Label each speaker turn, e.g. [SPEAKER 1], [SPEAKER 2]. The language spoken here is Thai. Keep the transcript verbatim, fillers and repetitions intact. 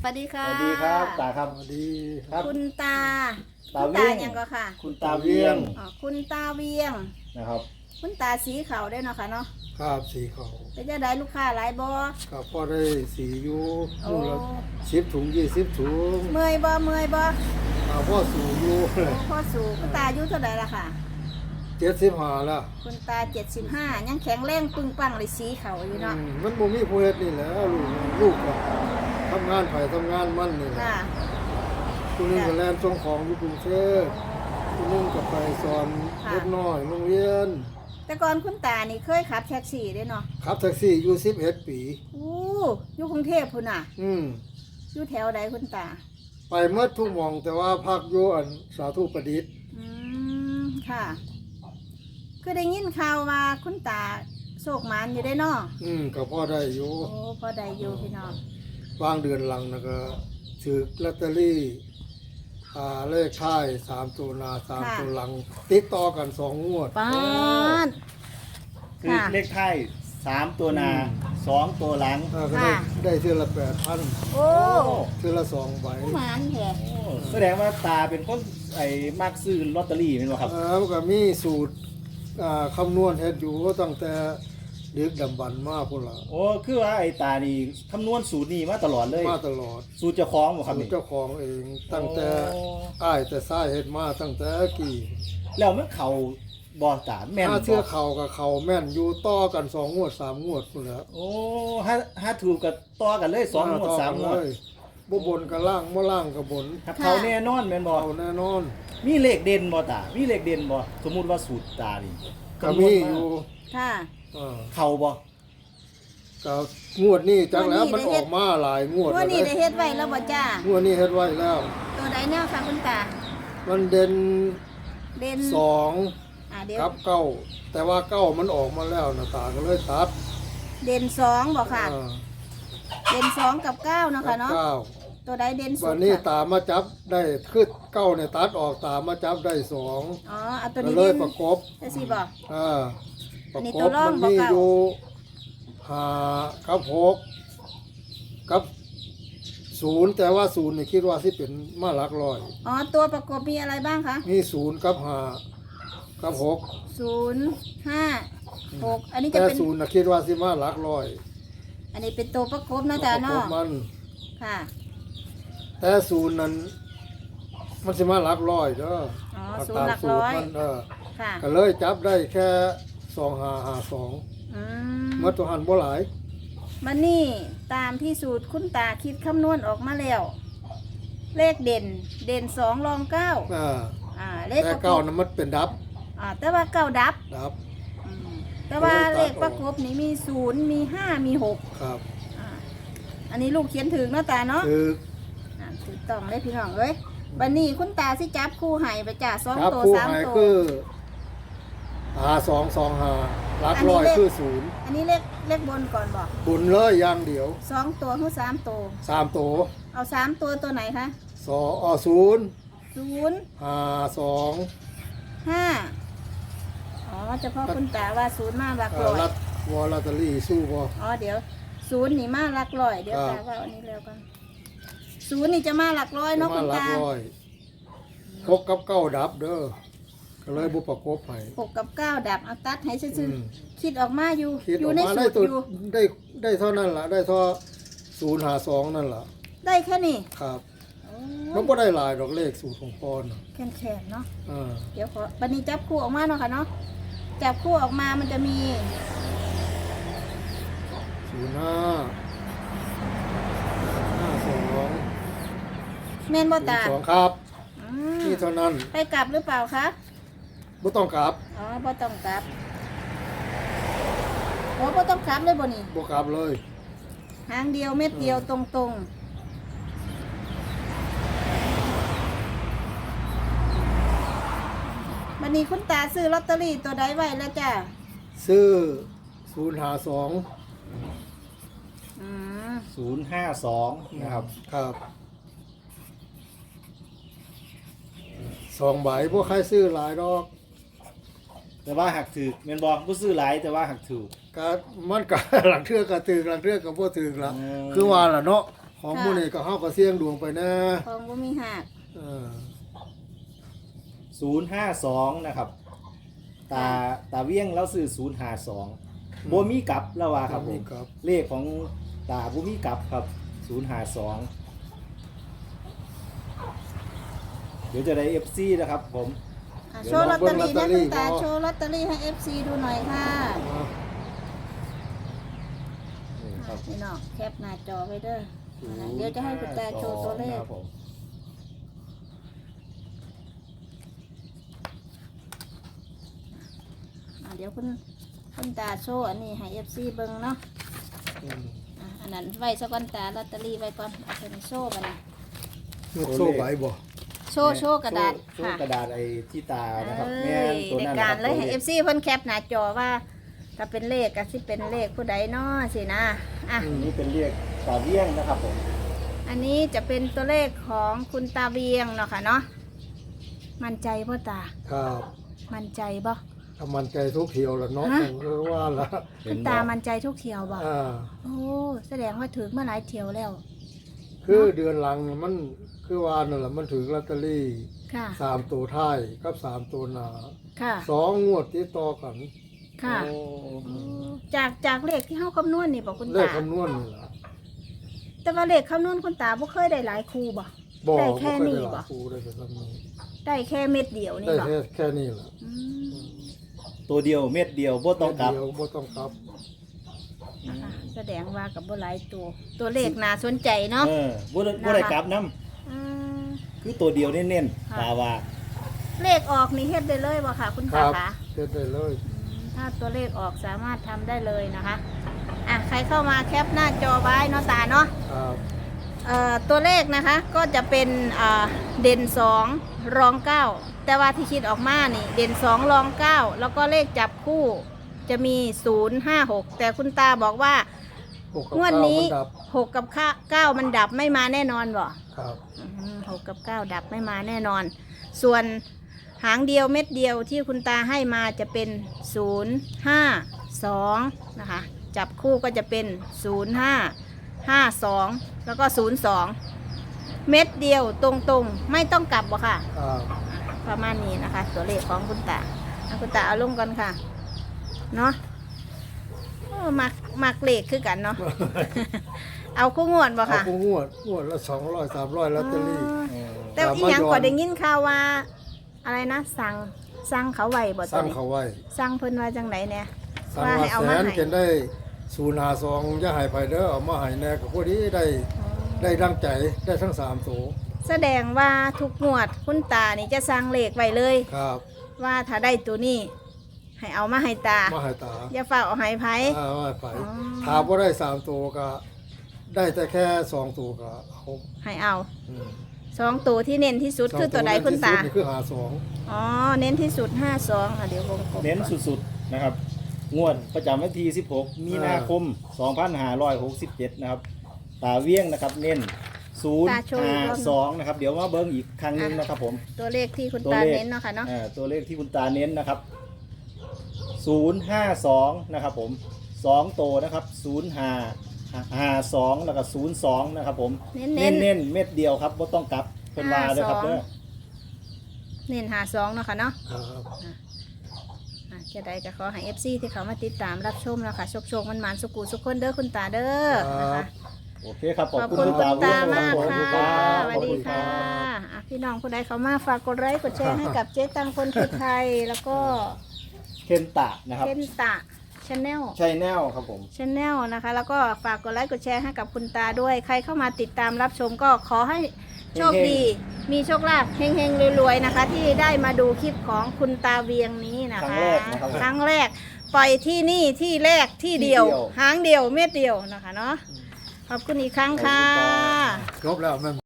[SPEAKER 1] วัสดีค่ะ
[SPEAKER 2] สวัสดีครับตาครับ
[SPEAKER 3] สวัสดี
[SPEAKER 2] ครับ
[SPEAKER 1] คุณตา
[SPEAKER 2] ตา
[SPEAKER 1] คุณ
[SPEAKER 2] เวี
[SPEAKER 1] ตาย
[SPEAKER 2] ง
[SPEAKER 1] ยังก็ค่ะ
[SPEAKER 2] คุณตาเวียง
[SPEAKER 1] อ๋อคุณตาเวียง
[SPEAKER 2] นะครับ
[SPEAKER 1] คุณตาสีเขาได้เนาะค่ะเนาะ
[SPEAKER 3] ครับสีเขา
[SPEAKER 1] เป็นจะได้ลูกค้าหลายบ่
[SPEAKER 3] กับพ่อได้สีอยู่
[SPEAKER 1] โอ้
[SPEAKER 3] นู่นละสิบถุงยี่สิบถุง
[SPEAKER 1] เมื่อยบ่เมื่อยบ่
[SPEAKER 3] กับพ่อสูงอยู่
[SPEAKER 1] โอ้พ่อสู่คุณตาอายุเท่าไหร่ละค่ะ
[SPEAKER 3] เจ็ดสิบห้าแล้ว
[SPEAKER 1] คุณตาเจ็ดสิบห้ายังแข็งแรงปึงปังเลยสีเขาอยู่เนาะ
[SPEAKER 3] อืมมันบ่มีผู้เฮ็ดนี่แหละลูกลูกก็ทำงานไผทำงานมันนี่แหละ
[SPEAKER 1] ค่ะ
[SPEAKER 3] ผู้หนึงก็แล่นส่งของอยู่กรุงเทพผู้หนึงก็ไปสอนเล็กน้อยโรงเรียน
[SPEAKER 1] แต่ก่อนคุณตานี่เคยขับแท็กซี่เด้เนาะ
[SPEAKER 3] ขับแท็กซี่อยู่สิบเอ็ดปี
[SPEAKER 1] อู้อยู่กรุงเทพพุ่นน่ะ
[SPEAKER 3] อืม
[SPEAKER 1] อยู่แถวใดคุณตา
[SPEAKER 3] ไปเมื่อทุกหม่องแต่ว่าพักอยู่อันสาธุประดิษฐ์
[SPEAKER 1] อืมค่ะคือได้ยินข่าวว่าคุณตาโศกหมันอยู่ได้เนาะ
[SPEAKER 3] อืมก็พอได้อยู่
[SPEAKER 1] โอ้พอได้อยู่พี่น้อง
[SPEAKER 3] วางเดือนหลังนะก็ถือลอตเตอรี่อ่าเลขท้ายสามตัวหน้าสามตัวหลัง ติดต่อกันสองงวด
[SPEAKER 1] ป้าน
[SPEAKER 2] คือ
[SPEAKER 1] ค่ะ
[SPEAKER 2] เลขท้ายสามตัวหนา
[SPEAKER 3] อืม
[SPEAKER 2] สองตัวหลัง
[SPEAKER 3] อ่าก็ได้
[SPEAKER 1] ค่ะ
[SPEAKER 3] ได้เทือละแปดพัน
[SPEAKER 1] โอ้
[SPEAKER 3] เทือละสองใบ
[SPEAKER 1] หมันแท้
[SPEAKER 2] โอ้แสดงว่าตาเป็นคนไอ้มักซื้อลอตเตอรี่เป็นบ่ครับ
[SPEAKER 3] แล้วก็มีสูตรอ่าคำนวณเฮ็ดอยู่ตั้งแต่ดึกดำบรรพ์มาพุ่นละ
[SPEAKER 2] โอ้คือว่าไอ้ตานี่คำนวณสูตรนี้มาตลอดเลย
[SPEAKER 3] มาตลอด
[SPEAKER 2] สูตรเจ้าของบ่ครับ
[SPEAKER 3] สูตร
[SPEAKER 2] นี่
[SPEAKER 3] เจ้าของเองตั้งแต่
[SPEAKER 2] โอ้
[SPEAKER 3] อ้ายแต่ซ้ายเฮ็ดมาตั้งแต่กี่
[SPEAKER 2] แล้วมันเข้าบ่ตาแม่น
[SPEAKER 3] ถ้า
[SPEAKER 2] บ่
[SPEAKER 3] เทื่อเข่ากับเข่าแม่นอยู่ต่อกันสองงวดสามงวดพุ่นแหล้ว
[SPEAKER 2] โอ้ถ้าถ้าถูกกับต่อกันเลยสองงวดสามงวด
[SPEAKER 3] บ่บนกับล่างบ่ล่างกับบน
[SPEAKER 2] ถ้าเขาแน่นอนแม่นบ่
[SPEAKER 3] เอาแน่นอน
[SPEAKER 2] มีเลขเด่นบ่ตา มีเลขเด่นบ่สมมุติว่าสูตรตานี่
[SPEAKER 3] ก็มีอยู่
[SPEAKER 1] ค่ะ
[SPEAKER 3] อ่า
[SPEAKER 2] เข้าบ่
[SPEAKER 3] ก็งวดนี้จักแล้ว
[SPEAKER 1] งวดนี้
[SPEAKER 3] มัน
[SPEAKER 1] ได้
[SPEAKER 3] อ
[SPEAKER 1] เฮ็
[SPEAKER 3] อ
[SPEAKER 1] ด
[SPEAKER 3] กมาหลายงวด
[SPEAKER 1] วันนี้
[SPEAKER 3] แล้ว
[SPEAKER 1] ได้
[SPEAKER 3] เด้
[SPEAKER 1] เฮ็ดไว้แล้วบ่จ้าง
[SPEAKER 3] วดนี้เฮ็ดไว้แล้ว
[SPEAKER 1] ตัวใดแนวค่ะคุณตา
[SPEAKER 3] มันเด่น
[SPEAKER 1] เด่น
[SPEAKER 3] สอง
[SPEAKER 1] อ่าเดี๋ยว
[SPEAKER 3] กับเก้าแต่ว่าเก้ามันออกมาแล้วนะตาก็เลยตัด
[SPEAKER 1] เด่นสองบ่ค่ะ
[SPEAKER 3] อ่า
[SPEAKER 1] เด่นสองกับเก้าเนาะ
[SPEAKER 3] กั
[SPEAKER 1] ค่ะ
[SPEAKER 3] บ
[SPEAKER 1] เนาะ
[SPEAKER 3] เก้า
[SPEAKER 1] ตัวใดเด่นสุ
[SPEAKER 3] วั
[SPEAKER 1] ด
[SPEAKER 3] นนี้
[SPEAKER 1] ค่ะ
[SPEAKER 3] ตามาจับได้คือเก้าเนี่ยตัดออกตามาจับได้สอง
[SPEAKER 1] อ๋อเอาตัว
[SPEAKER 3] ก็
[SPEAKER 1] นี้
[SPEAKER 3] เล
[SPEAKER 1] เด่
[SPEAKER 3] ย
[SPEAKER 1] น
[SPEAKER 3] ประกบ
[SPEAKER 1] จะสิบ่
[SPEAKER 3] อ่าป
[SPEAKER 1] อั
[SPEAKER 3] ระ
[SPEAKER 1] นนี้
[SPEAKER 3] ก
[SPEAKER 1] ตัว
[SPEAKER 3] บ
[SPEAKER 1] ร่อง
[SPEAKER 3] มันมี
[SPEAKER 1] บ่เก้า
[SPEAKER 3] อยู่ห้ากับหกกับศูนย์แต่ว่าศูนย์นี่คิดว่าที่เป็นมาหลักร้อย
[SPEAKER 1] อ๋อตัวประกบมีอะไรบ้างคะ
[SPEAKER 3] มีศูนย์กับห้ากับหก
[SPEAKER 1] ศูนย์ห้าหกอันนี้จะ
[SPEAKER 3] แต่
[SPEAKER 1] เป็น
[SPEAKER 3] ศูนย์นะคิดว่าสิมาหลักร้อย
[SPEAKER 1] อันนี้เป็นตัวประกบนะจ๊ะ
[SPEAKER 3] ประก
[SPEAKER 1] เนาะ
[SPEAKER 3] บมัน
[SPEAKER 1] ค่ะ
[SPEAKER 3] แต่ศูนย์นั้นมันสิมาหลักร้อยเด้อ
[SPEAKER 1] อ๋อ
[SPEAKER 3] เอา
[SPEAKER 1] ศูนย์หลักร้อย
[SPEAKER 3] มันเออ
[SPEAKER 1] ค่ะ
[SPEAKER 3] ก็เลยจับได้แค่สองห้าห้าสอง
[SPEAKER 1] อืม
[SPEAKER 3] เมื่อตัวหันบ่หลาย
[SPEAKER 1] มันนี่ตามที่สูตรคุณตาคิดคำนวณออกมาแล้ว เลขเด่น เด่นสองรองเก้า
[SPEAKER 3] อ่า
[SPEAKER 1] อ่า เลข
[SPEAKER 3] แต่
[SPEAKER 1] ประก
[SPEAKER 3] เก้า
[SPEAKER 1] บ
[SPEAKER 3] นั้นมันเป็นดับ
[SPEAKER 1] อ่า แต่ว่าเก้าดับ
[SPEAKER 3] ดับ
[SPEAKER 1] อืมแต่ว่า
[SPEAKER 3] ก็
[SPEAKER 1] เล
[SPEAKER 3] เลยตัด
[SPEAKER 1] ขประกบนี้มีศูนย์มีห้ามีหก
[SPEAKER 3] ครับ
[SPEAKER 1] อ่า อันนี้ลูกเขียนถึงเนาะตาเนาะ
[SPEAKER 3] คือ
[SPEAKER 1] อ่าถูกต้องเลยพี่น้องเอ้ยบันนี้คุณตาสิจับคู่ให้ไปจ่าสอง
[SPEAKER 3] ครับ
[SPEAKER 1] ตัว
[SPEAKER 3] ผู้
[SPEAKER 1] สาม
[SPEAKER 3] หาย
[SPEAKER 1] ตัว
[SPEAKER 3] คือหาสองสองหาหลักร้อยคือศูนย์
[SPEAKER 1] อันนี้เลขเลขบนก่อนบอก
[SPEAKER 3] บุญเลยอย่างเดียว
[SPEAKER 1] สองตัวคือสามตัว
[SPEAKER 3] สามตัว
[SPEAKER 1] เอาสามตัวตัวไหนคะ
[SPEAKER 3] สองอ๋อศูนย์
[SPEAKER 1] ศูนย์
[SPEAKER 3] หาสอง
[SPEAKER 1] ห้าอ๋อเฉพาะคุณตาว่าศูนย์มาหลัก
[SPEAKER 3] เอ่
[SPEAKER 1] ร้
[SPEAKER 3] อ
[SPEAKER 1] อย
[SPEAKER 3] รัดวอลลอตเตอรี่สู้บ่
[SPEAKER 1] อ๋อเดี๋ยวศูนย์นี่มาหลักร้อยเดี๋ยว
[SPEAKER 3] ครั
[SPEAKER 1] ตา
[SPEAKER 3] บ
[SPEAKER 1] ว่าอันนี้แล้วกันศูนย์นี่จะมาหลักร้อยเนาะ
[SPEAKER 3] มา
[SPEAKER 1] คุณ
[SPEAKER 3] หลัก
[SPEAKER 1] ตา
[SPEAKER 3] ร้อยหกกับเก้าดับเด้อก็เลยบุประกบให้
[SPEAKER 1] หกกับเก้าดับเอาตัดให้ซื่อ
[SPEAKER 3] อืม
[SPEAKER 1] ๆคิดออกมาอยู่
[SPEAKER 3] คิด
[SPEAKER 1] อ
[SPEAKER 3] อยู่ อก
[SPEAKER 1] ใน
[SPEAKER 3] มา
[SPEAKER 1] สู
[SPEAKER 3] ได้
[SPEAKER 1] ตร
[SPEAKER 3] ตัว
[SPEAKER 1] อยู่
[SPEAKER 3] ได้ได้เท่านั้นล่ะได้เท่าศูนย์หาสองนั่นล่ะ
[SPEAKER 1] ได้แค่นี้
[SPEAKER 3] ครับ
[SPEAKER 1] โอ้
[SPEAKER 3] มันก็ได้หลายดอกเลขสูตรของปอนน่ะ
[SPEAKER 1] แข็งแข็งเนาะ
[SPEAKER 3] อ่า
[SPEAKER 1] เดี๋ยวขอบันนี้จับคู่ออกมาเนาะค่ะเนาะจับคู่ออกมามันจะมี
[SPEAKER 3] ศูนย์ห้าห้าสอง
[SPEAKER 1] แม่นบ่
[SPEAKER 3] ศูน
[SPEAKER 1] ตา
[SPEAKER 3] ย์สองครับ
[SPEAKER 1] อืม
[SPEAKER 3] นี่เท่านั้น
[SPEAKER 1] ไปกลับหรือเปล่าคะ
[SPEAKER 3] ไม่ต้องกลับ
[SPEAKER 1] อ๋อบ่ต้องกลับโอ้บ่ต้องกลับเลยบ่นี่
[SPEAKER 3] บ่กลับเลย
[SPEAKER 1] หางเดียวเม็ดเดียวตรงๆบันนี้คุณตาซื้อลอตเตอรี่ตัวใดไว้แล้วจ้ะ
[SPEAKER 3] ซื้อศูนย์หาสอง
[SPEAKER 1] อืม
[SPEAKER 2] ศูนย์ห้าสองนะครับ
[SPEAKER 3] ครับสองใบพวกใครซื้อหลายดอก
[SPEAKER 2] แต่ว่าหักถือแม่นบ่บ่ซื้อหลายแต่ว่าหักถูก
[SPEAKER 3] ก็มันก็ หลังเทือกก็ถึงหลังเทือกก็บ่ถึงละ
[SPEAKER 2] อืม
[SPEAKER 3] คือว่าล่ะเนาะขของหมู่นี้ก็เฮาก็เสี่ยงดวงไปนะ
[SPEAKER 1] ของบ่มีหัก
[SPEAKER 3] เออ
[SPEAKER 2] ศูนย์ห้าสองนะครับตาตาเวียงแล้วซื้อศูนย์ห้าสองบ่มีกลับแล้วว่าครับผม
[SPEAKER 3] ครับ
[SPEAKER 2] เลขของตาบ่มีกลับครับศูนย์ห้าสองเดี๋ยวจะได้ เอฟ ซี นะครับผม
[SPEAKER 1] อ่ะโชว์ลอตเตอรี่นะคุณตาโชว์ลอตเตอรี่ให้ เอฟ ซี ดูหน่อยค่ะ
[SPEAKER 2] นี่ครับ
[SPEAKER 1] นี่เนาะแคปหน้าจอไว้เด้ออ่ะเดี๋ยวจะให้คุณตาโชว์ตัวเลข
[SPEAKER 2] ครับผม
[SPEAKER 1] อ่ะเดี๋ยวคุณคุณตาโชว์อันนี้ให้ เอฟ ซี เบิ่งเนาะ
[SPEAKER 3] อืม
[SPEAKER 1] อ่ะอันนั้นไว้ซะก่อนตาลอตเตอรี่ไว้ก่อนเอาไปโชว์บัดนี้
[SPEAKER 3] ยกโซ่ไหวบ่
[SPEAKER 1] โชว์โชว์กระดาษ
[SPEAKER 2] โชว์
[SPEAKER 1] ค่ะ
[SPEAKER 2] กระดาษไอ้ที่ตานะครับ
[SPEAKER 1] เอ้
[SPEAKER 2] แม่น
[SPEAKER 1] ย
[SPEAKER 2] ตัว
[SPEAKER 1] ใน
[SPEAKER 2] นั้น
[SPEAKER 1] การ
[SPEAKER 2] นะคบ
[SPEAKER 1] เลยให้
[SPEAKER 2] ตัว
[SPEAKER 1] เอฟซีเพิ่นแคปหน้าจอว่าถ้าเป็นเลขก็สิเป็นเลขผู้ใดเนาะสินะอ่ะ
[SPEAKER 2] อืมนี่เป็นเรียกตาเวียงนะครับผม
[SPEAKER 1] อันนี้จะเป็นตัวเลขของคุณตาเบียงเนาะค่ะเนาะมั่นใจพ่อตา
[SPEAKER 3] ครับ
[SPEAKER 1] มั่นใจบ่
[SPEAKER 3] ถ้ามันใจทุกเที่ยวละเนาะ
[SPEAKER 1] ฮะ
[SPEAKER 3] ผมก็ว่าละ
[SPEAKER 1] คุณตามั่นใจทุกเที่ยวบ่
[SPEAKER 3] อ่า
[SPEAKER 1] โอ้แสดงว่าถึงมาหลายเที่ยวแล้ว
[SPEAKER 3] คือเดือนหลังมันคือว่านั่นแหละมันถือลอตเตอรี่
[SPEAKER 1] ค่ะ
[SPEAKER 3] สามตัวท้ายกับสามตัวหน้า
[SPEAKER 1] ค่ะ
[SPEAKER 3] สองงวดติดต่อกัน
[SPEAKER 1] ค่ะ
[SPEAKER 2] โอ้
[SPEAKER 1] โอ้จากจากเลขที่เฮาคำนวณนี่บ่คุณ
[SPEAKER 3] เลข
[SPEAKER 1] ตา
[SPEAKER 3] คำนวณนี่ล่ะ
[SPEAKER 1] แต่ว่าเลขคำนวณคุณตาบ่เคยได้หลายคู่บ่
[SPEAKER 3] บ่
[SPEAKER 1] ได้
[SPEAKER 3] บ่
[SPEAKER 1] แค่
[SPEAKER 3] เคย
[SPEAKER 1] นี้
[SPEAKER 3] ได้ห
[SPEAKER 1] บ่
[SPEAKER 3] ลายคู่ได้แต่ลำนี้
[SPEAKER 1] ได้แค่เม็ดเดียวนี่
[SPEAKER 3] ได้
[SPEAKER 1] บ่
[SPEAKER 3] แค่แค่นี้ล่ะ
[SPEAKER 1] อืม
[SPEAKER 2] ตัวเดียวเม็ดเดียวบ่ต้องกลับ
[SPEAKER 3] เดียวบ่ต้องกลับ
[SPEAKER 1] นะคะแสดงว่ากับบ่หลายตัว ตัวเลขน่าสนใจเนาะ
[SPEAKER 2] เออบ่ได้บ่ได้กลับน้
[SPEAKER 1] อืม
[SPEAKER 2] ำคือตัวเดียวเน้น
[SPEAKER 1] ค่ะ
[SPEAKER 2] ๆตาว่า
[SPEAKER 1] เลขออกนี่เฮ็ดได้เลยบ่ค่ะ คุณ
[SPEAKER 3] ค
[SPEAKER 1] ตา
[SPEAKER 3] รับ
[SPEAKER 1] คะ
[SPEAKER 3] เฮ็ดได้เลย
[SPEAKER 1] อืมถ้าตัวเลขออกสามารถทำได้เลยนะคะอ่ะใครเข้ามาแคปหน้าจอไว้เนาะตาเนาะ
[SPEAKER 3] ครับ
[SPEAKER 1] เอ่อตัวเลขนะคะก็จะเป็นอ่าเด่นสองรองเก้าแต่ว่าที่คิดออกมานี่เด่นสองรองเก้าแล้วก็เลขจับคู่จะมีศูนย์ห้าหกแต่คุณตาบอกว่า
[SPEAKER 3] หกกับ
[SPEAKER 1] งวด
[SPEAKER 3] เก้า
[SPEAKER 1] นี้
[SPEAKER 3] มัดับ
[SPEAKER 1] หกกับเก้ามันดับไม่มาแน่นอนบ่
[SPEAKER 3] ครับ
[SPEAKER 1] อืมหกกับเก้าดับไม่มาแน่นอน ส่วนหางเดียวเม็ดเดียวที่คุณตาให้มาจะเป็นศูนย์ห้าสองนะคะจับคู่ก็จะเป็นศูนย์ห้าห้าสองแล้วก็ศูนย์สองเม็ดเดียวตรงๆไม่ต้องกลับบ่ค่ะ
[SPEAKER 3] ครับ
[SPEAKER 1] ประมาณนี้นะคะ ตัวเลขของคุณตาเอาคุณตาเอาลงกันค่ะเนาะโอ้มักมักเลขคือกันเนาะ เอาคู่งวดบ่
[SPEAKER 3] เอา
[SPEAKER 1] ค่ะ
[SPEAKER 3] ผู้งวดงวดละสองร้อยสามร้อยลอตเตอรี่
[SPEAKER 2] เออ
[SPEAKER 1] แต่อีหยังก็ได้ยินข่าวว่า อะไรนะ สั่งสั่งเขาไว้บ่
[SPEAKER 3] ส
[SPEAKER 1] ตัว
[SPEAKER 3] ร้าง
[SPEAKER 1] นี้
[SPEAKER 3] เขาไว้
[SPEAKER 1] สั่งเพิ่นว่าจังไดเนี่ย
[SPEAKER 3] สร้าง
[SPEAKER 1] ว่า
[SPEAKER 3] ว่า
[SPEAKER 1] ให้เอา
[SPEAKER 3] แส
[SPEAKER 1] มาน ให้
[SPEAKER 3] เก็นได้ศูนย์หาสองอย่าใหายไปเด้อเอามาใหายแน่ก็พอดีได้ได้ดังใจได้ทั้งสามตัว
[SPEAKER 1] แสดงว่าทุกงวดคุณตานี่จะสั่งเลขไว้เลย
[SPEAKER 3] ครับ
[SPEAKER 1] ว่าถ้าได้ตัวนี้ ให้เอามาให้ตา
[SPEAKER 3] มาใหายตา
[SPEAKER 1] อย่าฝากเอาให้ไผ
[SPEAKER 3] อ่าว่าไป
[SPEAKER 1] อ๋อ
[SPEAKER 3] ถามว่าได้สามตัวก็ ได้แต่แค่สองตัวก็เอา
[SPEAKER 1] ให้เอา
[SPEAKER 3] อืม
[SPEAKER 1] สองตัวที่เน้นที่สุดคือตัวใดคุณตา
[SPEAKER 3] สองที่สุดนี่คือหาสอง
[SPEAKER 1] อ๋อ เน้นที่สุดห้าสองอ่ะเดี๋ยววงกลม
[SPEAKER 2] เน้น
[SPEAKER 1] ก่อ
[SPEAKER 2] สุดๆนะครับ งวดประจำวันที่สิบหกมีนาคมสองพันห้าร้อยหกสิบเจ็ดนะครับ ตาเวียงนะครับ เน้นศูนย์ห้าสองนะครับ เดี๋ยวมาเบิ้งอีกครั้งหนึงนะครับผม
[SPEAKER 1] ตัวเลขที่คุณ
[SPEAKER 2] ตัว
[SPEAKER 1] ตา
[SPEAKER 2] เลข
[SPEAKER 1] เน้นเนาะค่ะเนาะ
[SPEAKER 2] อ่าตัวเลขที่คุณตาเน้นนะครับศูนย์ห้าสองนะครับผมสองโตวนะครับศูนย์ห้าห้าสองแล้วก็ศูนย์สองนะครับผม
[SPEAKER 1] เน้น
[SPEAKER 2] เน้
[SPEAKER 1] เน้
[SPEAKER 2] น
[SPEAKER 1] น
[SPEAKER 2] เน้นเม็ดเดียวครับบ่ต้องกลับเป็นว่าเลยครับ
[SPEAKER 1] ห้าสอง
[SPEAKER 2] เด้อ
[SPEAKER 1] เน้นหาสองเนาะค่ะเนาะ
[SPEAKER 3] ครับ
[SPEAKER 1] อ่ะจะได้ก็ขอให้เอฟซีที่เขามาติดตามรับชมแล้วค่ะโชคโชคมันมันๆสุกูสุกคนเด้อคุณตาเด้อนะคะ
[SPEAKER 2] โอเคครับ
[SPEAKER 1] ขอบคุณ
[SPEAKER 2] ณ
[SPEAKER 1] คุณตา
[SPEAKER 2] เวียง
[SPEAKER 1] มาก
[SPEAKER 2] รับ
[SPEAKER 1] ค่ะ
[SPEAKER 2] ข
[SPEAKER 1] ส
[SPEAKER 2] อบ
[SPEAKER 1] วัส
[SPEAKER 2] ณ
[SPEAKER 1] ดี
[SPEAKER 2] รับ
[SPEAKER 1] ค่ะอ่ะ พี่น้องผู้ใดเขามาฝากกดไลค์กดแชร์ให้กับเจ๊ตังคนคือไทย แล้วก็
[SPEAKER 2] เคนตะนะครับ
[SPEAKER 1] เคนตะชาแนล
[SPEAKER 2] ชัยแนลครับผม
[SPEAKER 1] ชาแนลนะคะ แล้วก็ฝากกดไลค์กดแชร์ให้กับคุณตาด้วย ใครเข้ามาติดตามรับชมก็ขอให้โชคดี มีโชคลาภเฮงๆรวยๆนะคะ ที่ได้มาดูคลิปของคุณตาเวียงนี้นะ
[SPEAKER 2] ครั้ง
[SPEAKER 1] คะ
[SPEAKER 2] แรกนะครับ
[SPEAKER 1] ครั้งแรกปล่อยที่นี่ที่แรกที่เดียว
[SPEAKER 2] ที่เดียว
[SPEAKER 1] หางเดียวเม็ดเดียวนะคะเนาะขอบคุณอีกครั้งค่ะ
[SPEAKER 3] ครบแล้วแม่